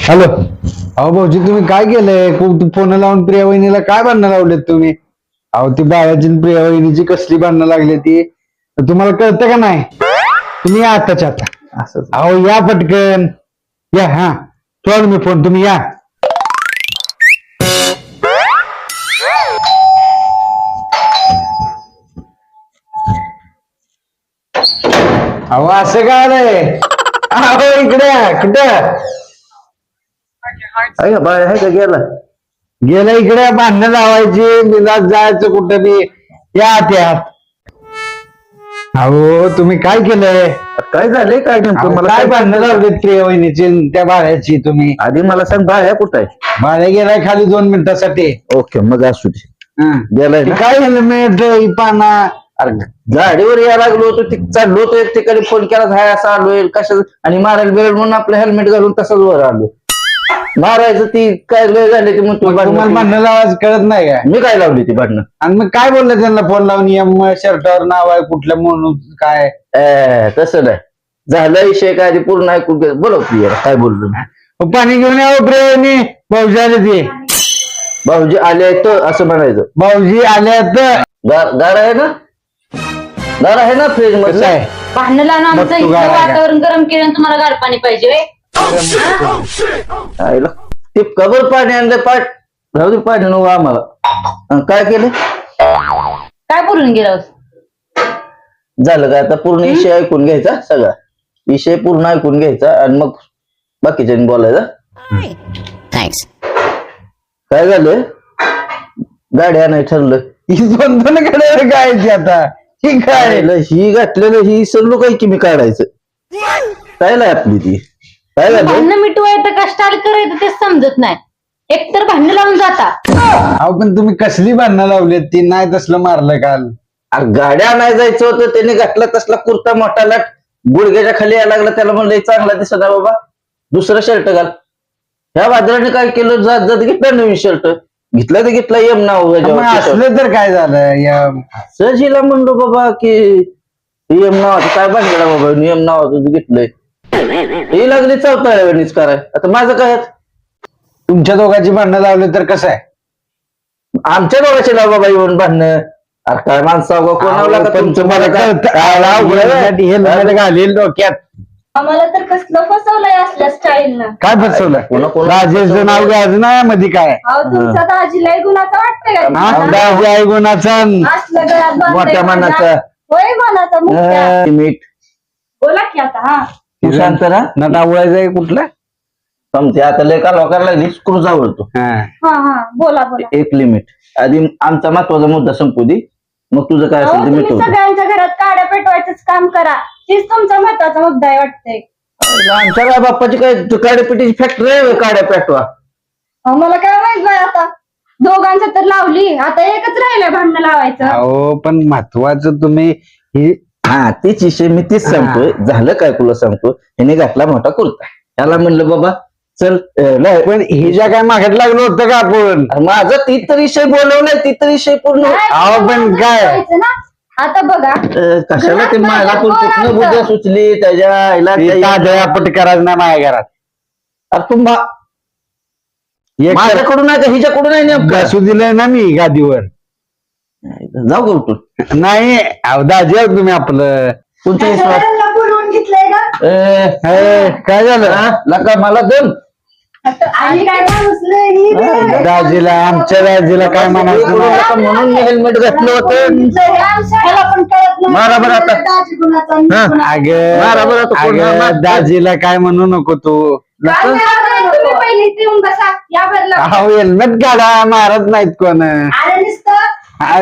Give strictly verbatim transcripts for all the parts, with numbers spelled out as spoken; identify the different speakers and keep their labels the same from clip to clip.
Speaker 1: Hello. अहो भाऊजी तुम्ही काय केलंय? खूप फोन लावून प्रिया वहिनीला काय भांडणं लावलेत तुम्ही? अहो ती बाळाची आणि प्रिया वहिनीची कसली भांडणं लागली ती तुम्हाला कळतं का नाही? तुम्ही या आताच्या आता.
Speaker 2: असं
Speaker 1: अहो या पटकन या. हा ठेवा मी फोन, तुम्ही या. अहो असं काय आलंय? अहो इकडे या. कुठं
Speaker 2: आहे का बाळ? आहे का गेला?
Speaker 1: गेलं इकडे? भांडणं लावायची बिंदास जायचं कुठं बी. या त्यात. अहो तुम्ही काय केलंय?
Speaker 2: काय झालंय? काय नेमकं
Speaker 1: अहो,
Speaker 2: मला
Speaker 1: काय
Speaker 2: सांग.
Speaker 1: भांडणं लावलीत प्रिया वहिनीची आणि त्या बाळ्याची तुम्ही?
Speaker 2: आधी मला सांग, बाळ आहे कुठं आहे?
Speaker 1: बाळ्या गेलाय खाली दोन मिनिटासाठी.
Speaker 2: ओके, मग असू दे.
Speaker 1: हं.
Speaker 2: गेलाय
Speaker 1: ते
Speaker 2: ना?
Speaker 1: काय हेल्मेट पाना.
Speaker 2: अरे गाडीवर यायला लागलो होतो, ती चाललो होतो एक ठिकाणी, फोन केला हाय असं आलोय कशा आणि मारायला वेळ म्हणून आपलं हेल्मेट घालून तसंच वर आलो. मारायचं ती काय लय झाले ती म्हणतो
Speaker 1: तुम्हाला
Speaker 2: भांडणं.
Speaker 1: भांडणं लावायचं कळत नाही का?
Speaker 2: मी काय लावली ती भांडणं?
Speaker 1: आणि मग काय बोललं त्यांना फोन लावून? एम शर्टावर नाव आहे कुठल्या म्हणून काय?
Speaker 2: ए, तसं नाही झालं. विषय काय ते पूर्ण ऐकून घे. बोलव तू यार, काय बोललो मी.
Speaker 1: मग पाणी घेऊन यावं प्रिया वहिनी. भाऊजी आले ते.
Speaker 2: भाऊजी आले तर असं म्हणायचं.
Speaker 1: भाऊजी आले तर
Speaker 2: गार गार आहे ना? गार आहे ना फ्रीज
Speaker 1: कसं
Speaker 2: मध्ये?
Speaker 1: आहे?
Speaker 3: भांडण लावून आमचं
Speaker 1: मग तू
Speaker 3: इथलं
Speaker 1: गार आहे का?
Speaker 3: वातावरण गरम केलं आणि तुम्हाला गार पाणी पाहिजे व्हय?
Speaker 2: आईला ते कबर पाणी आणलं, पाठ राहू दे पाणी नको आम्हाला. अन काय केलं?
Speaker 3: काय बोलून गेला होता?
Speaker 2: झालं का आता? पूर्ण विषय ऐकून घ्यायचा, सगळा विषय पूर्ण ऐकून घ्यायचा आणि मग बाकीच्यांनी बोलायचा.
Speaker 3: थँक्स.
Speaker 2: काय झालं? गाडी आणाय ठरलं.
Speaker 1: ही दोन दोन कडे काय ती आता? ही काय?
Speaker 2: आईला ही घातलेलं ही सर्व काही की मी काढायचं काय नाही आपली ती. काय झालं?
Speaker 3: भांडणं मिटवायचं का स्टाईल करायचं ते समजत नाही. एकतर भांडण लावून जाता.
Speaker 1: अहो पण तुम्ही कसली भांडणं लावलीत? ती नाही तसलं मारलं काल.
Speaker 2: अरे गाड्या आणाय जायचं होतं, त्याने घातला तसला कुर्ता मोठा लाट गुडघ्याच्या खाली यायला लागला. त्याला म्हणलं चांगला दिसत आहे बाबा, दुसरं शर्ट घाल. ह्या वादळाने काय केलं? जात जात घेतला नवीन शर्ट. घेतला तर घेतला एम नाव
Speaker 1: मग असलं तर काय झालं? या
Speaker 2: सहजीला म्हणलो बाबा की एम नावाचं काय बांधला बाबा, एम नावाचं घेतलंय. ही लागली चौथाळ्यावरणीच कराय. आता माझं काय आहे?
Speaker 1: तुमच्या दोघांची भांडणं लावली तर कसं आहे?
Speaker 2: आमच्या दोघांचे लाव बाबा येऊन बांधणं. अरे काय माणसं कोणाला का तुमचं मला
Speaker 1: हेल्मेट घालील डोक्यात.
Speaker 4: आम्हाला तर कसलं फसवलंय असल्या स्टाईलनं.
Speaker 1: काय फसवलं?
Speaker 2: कोणा कोणा
Speaker 1: राजेशचं नाव घ्यायचं नाही मध्ये काय?
Speaker 4: अहो तुमचा दाजीला गुणाचा वाटतंय का
Speaker 1: हा,
Speaker 4: तुम्हाला?
Speaker 1: दाजी आहे गुणाचा.
Speaker 4: असलं गळ्यात बांधलंय
Speaker 2: मोठ्या
Speaker 4: माझ्या.
Speaker 2: मनाचा.
Speaker 4: होय मनाचा मुख्या.
Speaker 2: मीठ
Speaker 4: बोला की आता. हा
Speaker 2: तू शांत ना.
Speaker 1: नटा उडायचं आहे कुठला?
Speaker 2: समजे आता लय का लोकांना स्क्रूज आवडतो.
Speaker 1: हा.
Speaker 4: हा हा बोला बोला.
Speaker 2: एक लिमिट आधी आमचा महत्वाचा मुद्दा संपू दे, मग तुझं काय
Speaker 4: अहो
Speaker 2: असेल ते
Speaker 4: तुम्ही
Speaker 2: मिटवतो.
Speaker 4: सगळ्यांच्या घरात काड्या पेटवायचंच काम करा. तीच तुमचा महत्वाचा मुद्दा आहे वाटतंय.
Speaker 2: आमच्या काय बाप्पाची काय काड्यापेटीची फॅक्टरी आहे काड्या पेटवा.
Speaker 4: अहो मला काय माहित बाय आता. दोघांच्या तर लावली, आता एकच राहिलंय भांडणं लावायचं.
Speaker 1: अहो पण महत्वाचं तुम्ही ही
Speaker 2: हा तीच विषय मी तीच सांगतोय. झालं काय तुला सांगतो, ह्याने घातला मोठा कुर्ता. त्याला म्हणलं बाबा चल अं, नाही.
Speaker 1: पण हिच्या काय मागत लागलो होतं का आपण?
Speaker 2: माझा ती तर विषय बोलवलाय, ती तर विषय पूर्ण
Speaker 4: नाही,
Speaker 1: अहो, पण
Speaker 4: तुम्हाला
Speaker 1: काय?
Speaker 4: करायचं ना. आता बघा
Speaker 2: अं, कशाला ते
Speaker 4: घरात
Speaker 2: मला पण
Speaker 4: माझं
Speaker 2: कुठनं
Speaker 4: पोर
Speaker 2: बुद्ध्या
Speaker 4: असतं.
Speaker 2: सुचली त्याच्या आईला
Speaker 1: ती
Speaker 2: त्या-
Speaker 1: तादळापट करायचं नाही माझ्या घरात.
Speaker 2: अरे तू मा-
Speaker 1: एक
Speaker 2: माझ्याकडून आहे का हिच्याकडून आहे नेमकं?
Speaker 1: बसू दिलंय ना मी गादीवर.
Speaker 2: जाऊ का उठून?
Speaker 1: नाही अहो दाजी आहो तुम्ही आपलं.
Speaker 2: कोणत्या विश्वास?
Speaker 4: सगळ्यांना बोलवून घेतलंय का?
Speaker 2: ए,
Speaker 1: ए, काय झालं?
Speaker 2: हा? लका मला दम.
Speaker 4: आणि काय माणूस लय ही बी.
Speaker 1: दाजीला आमच्या दाजीला काय म्हणायचं नाही.
Speaker 2: लका म्हणून मी हेल्मेट घातलं होतं.
Speaker 4: ह्याला पण कळत नाही.
Speaker 2: मारा बरं आता.
Speaker 4: दाजी गुणाचा आणि
Speaker 2: हा.
Speaker 4: गुणाचा.
Speaker 2: मारा बरं
Speaker 1: अगं
Speaker 2: आता कोण मार-
Speaker 1: अगं दाजीला काय म्हणू नको तू.
Speaker 4: काय करायचं? तुम्ही पहिली इथे येऊन बसा. या बदला.
Speaker 1: अहो हेल्मेट काढा, मारत नाहीत कोण.
Speaker 4: अरे नुसतं
Speaker 1: अगं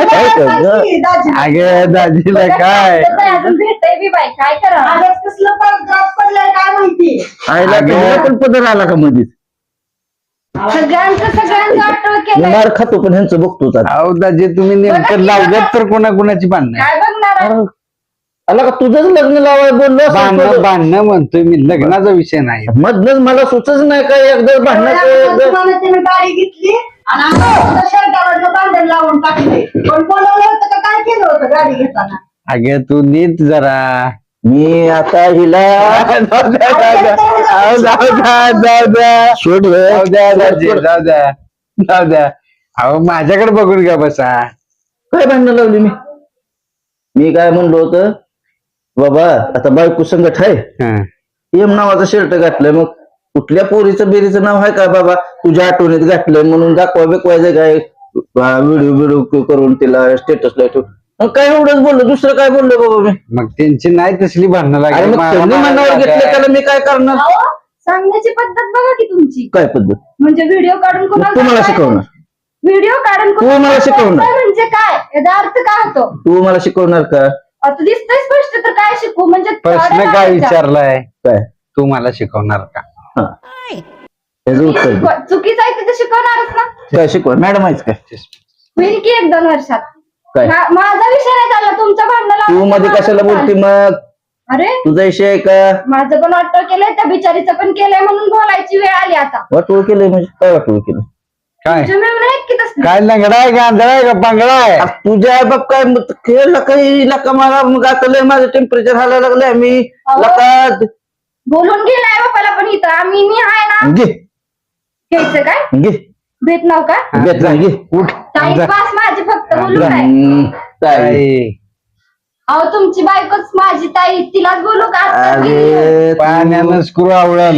Speaker 4: दाजी.
Speaker 1: दाजीला काय?
Speaker 4: अजून भेटतंय बी बाई. काय करा? आजच कसलं पडद्यात पडलंय काय माहिती.
Speaker 2: आईला
Speaker 1: अगं.
Speaker 2: तुला पण पदर आला का मध्ये?
Speaker 4: सगळ्यांचं सगळ्यांचं आठवण
Speaker 2: मी
Speaker 4: केलंय.
Speaker 2: मार खातो पण ह्यांचं बघतोच आता.
Speaker 1: अहो दाजी तुम्ही नेमकं लावल्यात तर कोणा कोणाची भांडणं?
Speaker 4: काय बघणार आहे?
Speaker 2: आला का तुझंच लग्न लावाय बोललो असं
Speaker 1: भांडणं
Speaker 2: थोडं.
Speaker 1: भांडणं म्हणतोय मी, लग्नाचा विषय नाही.
Speaker 2: मधनच मला सुचच नाही काय एकदा भांडणाचं एकदा-
Speaker 4: तुम्हाला त्यानं गाडी घेतली आणि आम्हाला शर्टावरनं भांडण लावून टाकले. पण बोलवलं होतं का काय केलं होतं गाडी घेताना?
Speaker 1: अगं तू नीट जरा
Speaker 2: मी आता हिला
Speaker 1: जाऊ द्या, जाऊ द्या. अहो, जाऊ द्या, जाऊ द्या.
Speaker 2: सोड
Speaker 1: जाऊ द्या दाजी, जाऊ द्या जाऊ द्या. अहो माझ्याकडे बघून घ्या बसा.
Speaker 2: काय भांडणं लावली मी मी काय म्हणलो होतं बाबा आता बायको संगत आहे
Speaker 1: हा.
Speaker 2: एम नावाचा शर्ट घातलंय मग कुठल्या पोरीचं बेरीचं नाव आहे का बाबा तुझ्या आठवणीत घातलंय म्हणून दाखवा बिकवायचं काय व्हिडिओ व्हिडिओ करून तिला स्टेटसला ठेव मग काय एवढंच बोललो दुसरं काय बोललो बाबा मी
Speaker 1: मग त्यांची नाही तसली भांडणं
Speaker 2: अरे
Speaker 1: लागली.
Speaker 2: मग त्यांनी मनावर घेतलं त्याला मी काय करणार
Speaker 4: अहो, सांगण्याची पद्धत बघा की तुमची
Speaker 2: काय पद्धत
Speaker 4: म्हणजे व्हिडिओ काढून
Speaker 2: मग तू मला शिकवणार
Speaker 4: व्हिडिओ काढून
Speaker 2: तू मला शिकवणार.
Speaker 4: म्हणजे काय याचा अर्थ काय होतो
Speaker 2: तू मला शिकवणार का
Speaker 4: आता दिसतंय स्पष्ट तर काय शिकू म्हणजे
Speaker 1: प्रश्न
Speaker 4: साड्या
Speaker 1: काय
Speaker 4: घालायच्या.
Speaker 1: विचारलाय
Speaker 2: काय
Speaker 1: तू मला शिकवणार का?
Speaker 2: हा त्याचं उत्तर दे.
Speaker 4: शिकव- चुकीचं आहे तिथे शिकवणारच ना
Speaker 2: काय शिकवा मॅडम आहेच काय
Speaker 4: होईल की एक दोन वर्षात
Speaker 2: काय
Speaker 4: मा- माझा विषय नाही चालला तुमचा भांडण
Speaker 2: तू मध्ये कशाला बोलती मग
Speaker 4: अरे
Speaker 2: तुझा विषय आहे का
Speaker 4: माझं पण वाटतं केलंय त्या बिचारीचं पण केलंय म्हणून बोलायची वेळ आली आता
Speaker 2: वाटोळ केलंय म्हणजे काय वाटोळ केलं
Speaker 1: काय
Speaker 4: तुमच्या मिळून आहेत की तसं
Speaker 1: काय लंगडा आहे का आंधळा आहे का पांगडा आहे?
Speaker 2: आ, तुझ्या आई बाप काय मग खेळला काही लका मला मग आता लय माझं टेम्परेचर हालायला लागलंय मी
Speaker 4: अहो.
Speaker 2: लका
Speaker 4: बोलून गेलाय बापाला पण इथं आम्ही मी आहे ना
Speaker 2: घे
Speaker 4: घ्यायचं काय
Speaker 2: घे
Speaker 4: भेट नाव का
Speaker 2: घेत नाही घे
Speaker 1: उठ
Speaker 4: टाइम
Speaker 1: जा.
Speaker 4: पास माझी फक्त बोलू काय
Speaker 2: हम्म, ताई.
Speaker 1: ताई,
Speaker 4: अहो तुमची बायकोच माझी ताई तिलाच बोलू का आत्ताच गेली.
Speaker 2: अरे
Speaker 1: पाण्यानं स्क्रू आवळल.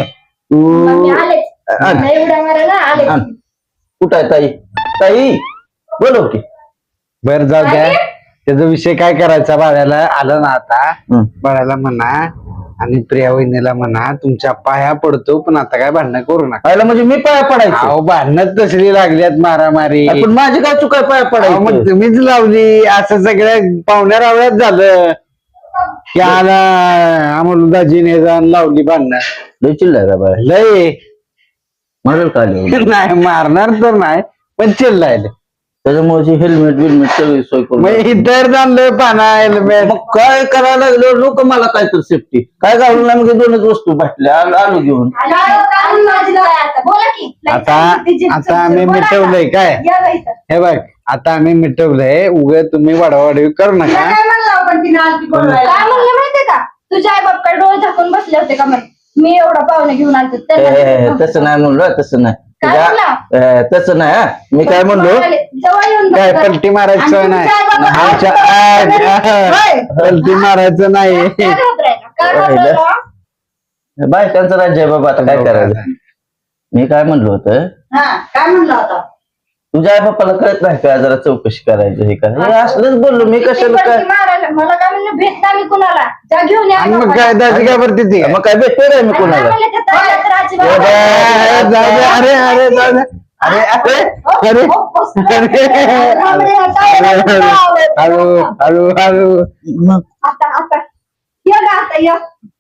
Speaker 4: मग मी
Speaker 2: तू
Speaker 4: आलेच
Speaker 2: आण.
Speaker 4: नाही उड्या मारायला आलेच
Speaker 2: आण. कुठं आहे ताई ताई बोलव की
Speaker 1: बर जाऊ द्या.
Speaker 4: काय?
Speaker 1: त्याचा विषय काय करायचा बाळाला आला ना आता
Speaker 2: हं.
Speaker 1: बाळाला म्हणा आणि प्रिया वहिनीला म्हणा तुमच्या पाया पडतो पण आता काय भांडणं करू नका.
Speaker 2: पाहिलं म्हणजे मी पाया पडायचं
Speaker 1: अहो भांडणं तसली लागल्यात मारामारी.
Speaker 2: पण माझी काय चुकाय पाया
Speaker 1: अहो,
Speaker 2: पडायचं
Speaker 1: मग तुम्हीच लावली असं सगळ्या पाहुण्या रावळ्यात झालं की आला आम्हाला दाजीने जाऊन लावली भांडणं.
Speaker 2: लय चिल्लाय का बाय
Speaker 1: लय
Speaker 2: म्हणेल का आली?
Speaker 1: नाही मारणार तर नाही पण चिल्लायला
Speaker 2: त्याच्यामुळे हेल्मेट बिलमेट सगळी सोय करून
Speaker 1: मग इतर जाणलं पाना हेल्मेट.
Speaker 2: मग काय करायला लागलो लोक मला काय तर सेफ्टी काय घालून नाही मग हे दोनच वस्तू भेटल्या आलो आलो घेऊन
Speaker 4: आलो, काढून माझी ताई आता. बोला की
Speaker 1: आता
Speaker 4: तिची-
Speaker 1: आता आम्ही
Speaker 4: बोला आता.
Speaker 1: मिटवलंय काय
Speaker 4: या बाई इथं.
Speaker 1: हे बघ आता आम्ही मिटवलंय उग तुम्ही वाढवाडवी करू
Speaker 4: तिला
Speaker 1: नका.
Speaker 4: काय म्हणलं आपण तिने आलती बोलवायला? काय म्हणलं माहितीये का तुझ्या आई बाप काय डोळे झाकून बसले होते का म्हणे मी एवढा पाहुणे घेऊन आलतो
Speaker 2: ए, ए, तसं नाही म्हणलो तसं नाही
Speaker 4: काय
Speaker 2: तुझ्या- ए, तसं नाही हा. मी काय म्हणलो
Speaker 4: जवळ येऊन
Speaker 1: काय
Speaker 4: बस.
Speaker 1: पलटी मारायचं
Speaker 4: आणि
Speaker 1: नाही
Speaker 4: तुमच्या आई बाबा-
Speaker 1: आमच्या- आ,
Speaker 4: होय.
Speaker 1: पलटी मारायचं नाही.
Speaker 4: काय घाबरायला? काय घाबरायला?
Speaker 2: बायकांचं राज्य आहे बाबा आता काय करायचं मी काय म्हणलो होतं
Speaker 4: हा, काय म्हणलं होता
Speaker 2: तुझ्या आई बाप्पाला कळत नाही का जरा चौकशी करायचं हे करायचं हे असलंच बोललो मी कशाला
Speaker 4: किती
Speaker 2: काय
Speaker 4: पलटी मारायला? मला काय म्हणलं भेट नाही मी कुणाला जा घेऊन या
Speaker 1: आणि मग
Speaker 4: बापाला.
Speaker 1: काय दाजी काय भरती ती
Speaker 2: मग काय भेटतोय काय मी
Speaker 4: आणि काय
Speaker 2: कोणाला
Speaker 4: म्हणलं त्या ताईला तर अजिबात-
Speaker 2: ए,
Speaker 1: जाऊ दे, अरे अरे जाऊ दे. अरे अरे अरे
Speaker 4: हो, बसलं.
Speaker 1: अरे हळू हळू हळू
Speaker 2: मग
Speaker 4: आता आता ये गा आता ये